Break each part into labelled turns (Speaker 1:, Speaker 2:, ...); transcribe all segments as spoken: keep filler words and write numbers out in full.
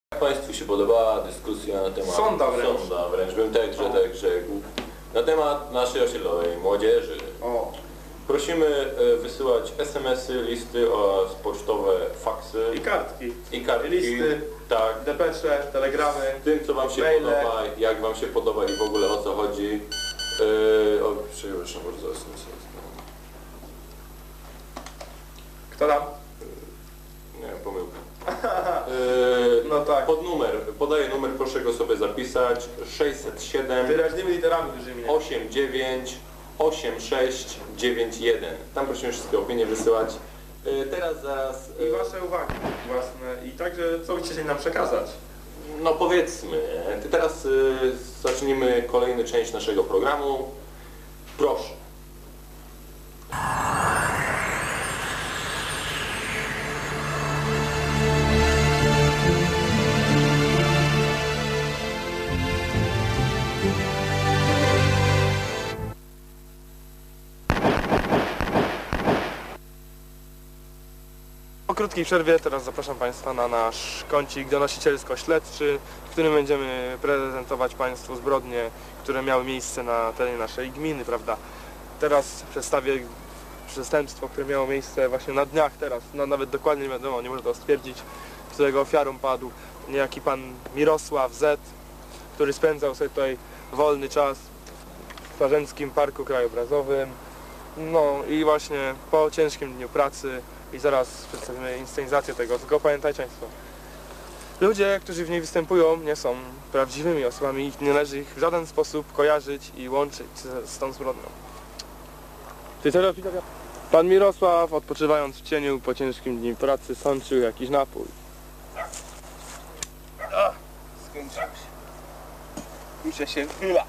Speaker 1: Jak Państwu się podobała dyskusja na temat
Speaker 2: Sonda wręcz,
Speaker 1: sonda, wręcz bym tak, że tak rzekł, na temat naszej osiedlowej młodzieży.
Speaker 2: O.
Speaker 1: Prosimy wysyłać es em esy, listy oraz pocztowe faksy
Speaker 2: I kartki.
Speaker 1: i kartki,
Speaker 2: listy,
Speaker 1: tak,
Speaker 2: depesze, telegramy.
Speaker 1: tym co Wam się
Speaker 2: maile.
Speaker 1: podoba, jak Wam się podoba i w ogóle o co chodzi. Yy, o, przepraszam bardzo, es em es.
Speaker 2: Kto tam?
Speaker 1: Nie, pomyłka. Yy,
Speaker 2: No tak.
Speaker 1: Pod numer, podaję numer, proszę go sobie zapisać, sześćset siedem
Speaker 2: Wyraźnymi literami dużymi. nie?
Speaker 1: osiem dziewięć osiem sześć dziewięć jeden. Tam prosimy wszystkie opinie wysyłać. Yy, teraz zaraz...
Speaker 2: I wasze uwagi własne. I także co byście chcieli nam przekazać?
Speaker 1: No powiedzmy, ty teraz y, zacznijmy kolejną część naszego programu. Proszę.
Speaker 2: Po krótkiej przerwie teraz zapraszam Państwa na nasz kącik donosicielsko-śledczy, w którym będziemy prezentować Państwu zbrodnie, które miały miejsce na terenie naszej gminy, prawda? Teraz przedstawię przestępstwo, które miało miejsce właśnie na dniach teraz, no, nawet dokładnie nie wiadomo, nie można to stwierdzić, którego ofiarą padł niejaki pan Mirosław Z., który spędzał sobie tutaj wolny czas w Swarzędzkim Parku Krajobrazowym. No i właśnie po ciężkim dniu pracy i zaraz przedstawimy inscenizację tego, tylko pamiętajcie Państwo, ludzie, którzy w niej występują, nie są prawdziwymi osobami i nie należy ich w żaden sposób kojarzyć i łączyć z, z tą zbrodnią. Pan Mirosław, odpoczywając w cieniu po ciężkim dniu pracy, sączył jakiś napój.
Speaker 3: O, skończył się. Muszę się wylać.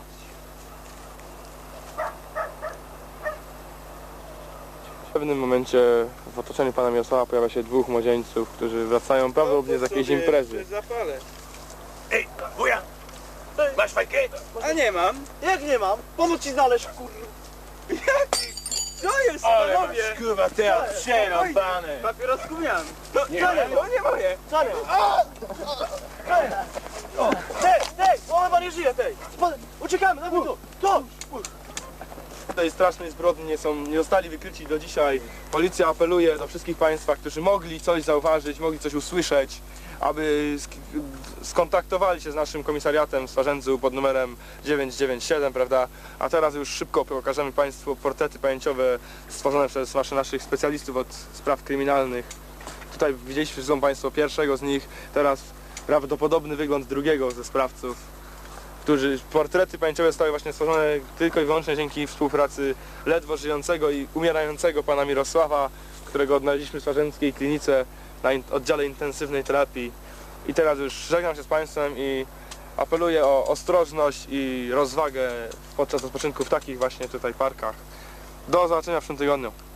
Speaker 2: W pewnym momencie w otoczeniu pana Mirosława pojawia się dwóch młodzieńców, którzy wracają prawdopodobnie z jakiejś imprezy.
Speaker 3: Zapalę. Ej, wuja! Masz fajkę? A nie mam.
Speaker 4: Jak nie mam? Pomóc ci znaleźć, kurwa.
Speaker 3: Jaki?
Speaker 4: Co jest,
Speaker 3: Ale
Speaker 4: panowie?
Speaker 3: masz, kurwa, teraz przerąbane.
Speaker 4: Papierosku miałem.
Speaker 3: To nie, to nie moje.
Speaker 4: Wcale. Wcale. Tej, tej, o, chyba nie żyje, tej. Spadaj, uciekamy, dawaj tu, tu.
Speaker 2: Tej strasznej zbrodni nie, są, nie zostali wykryci do dzisiaj. Policja apeluje do wszystkich Państwa, którzy mogli coś zauważyć, mogli coś usłyszeć, aby sk- skontaktowali się z naszym komisariatem w Swarzędzu pod numerem dziewięć dziewięć siedem, prawda? A teraz już szybko pokażemy Państwu portrety pamięciowe stworzone przez waszy, naszych specjalistów od spraw kryminalnych. Tutaj widzieliście, że są Państwo pierwszego z nich, teraz prawdopodobny wygląd drugiego ze sprawców. Którzy, portrety pamięciowe zostały właśnie stworzone tylko i wyłącznie dzięki współpracy ledwo żyjącego i umierającego pana Mirosława, którego odnaleźliśmy w Swarzędzkiej klinice na in oddziale intensywnej terapii. I teraz już żegnam się z Państwem i apeluję o ostrożność i rozwagę podczas odpoczynku w takich właśnie tutaj parkach. Do zobaczenia w przyszłym tygodniu.